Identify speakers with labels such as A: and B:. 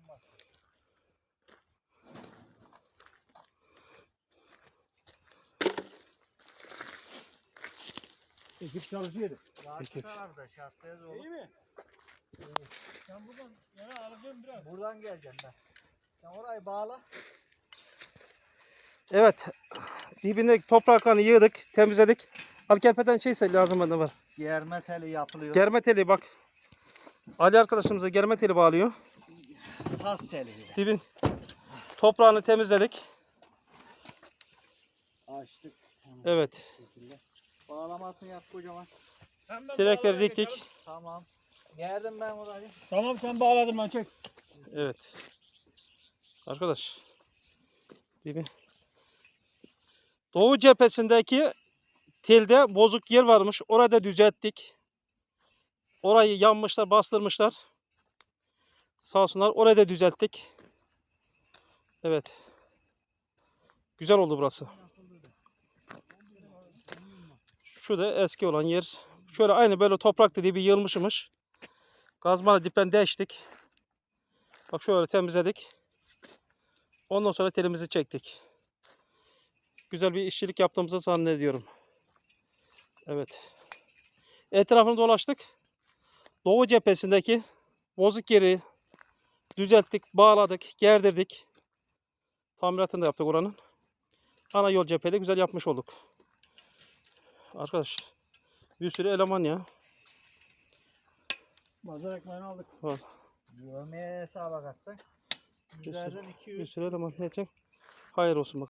A: Ekip çalışıyordu.
B: Ekip. Tarafta şartlayız oğlum.
A: İyi mi? Sen buradan yana alacağım biraz.
B: Buradan geleceğim ben. Sen orayı bağla.
C: Evet. Dibindeki topraklarını yığdık, temizledik. Alkerpeden şeyse lazım bana var.
B: Germe teli yapılıyor.
C: Germe teli bak. Ali arkadaşımıza germe teli bağlıyor.
B: Saz teli.
C: Dibin toprağını temizledik.
B: Açtık.
C: Evet.
B: Bağlamasını yap kocaman.
C: Direkleri diktik.
B: Tamam. Gerdim ben orayı.
A: Tamam sen bağladın ben çek.
C: Evet. Arkadaş. Dibi. Doğu cephesindeki telde bozuk yer varmış. Orayı da düzelttik. Orayı yanmışlar, bastırmışlar. Sağ olsunlar. Orayı da düzelttik. Evet. Güzel oldu burası. Şu da eski olan yer. Şöyle aynı böyle toprak dediği bir yığılmışmış. Kazmayla dipten deştik. Bak şöyle temizledik. Ondan sonra telimizi çektik. Güzel bir işçilik yaptığımızı zannediyorum. Evet. Etrafını dolaştık. Doğu cephesindeki bozuk yeri düzelttik, bağladık, gerdirdik. Tamiratını da yaptık oranın. Ana yol cephede güzel yapmış olduk. Arkadaş bir sürü eleman ya.
A: Mazhar ekmeğini aldık.
C: Var.
B: Yövmeye hesaba katsak. Üzerden
C: Bir
B: 200.
C: sürü eleman ne yapacak? Hayır olsun bak.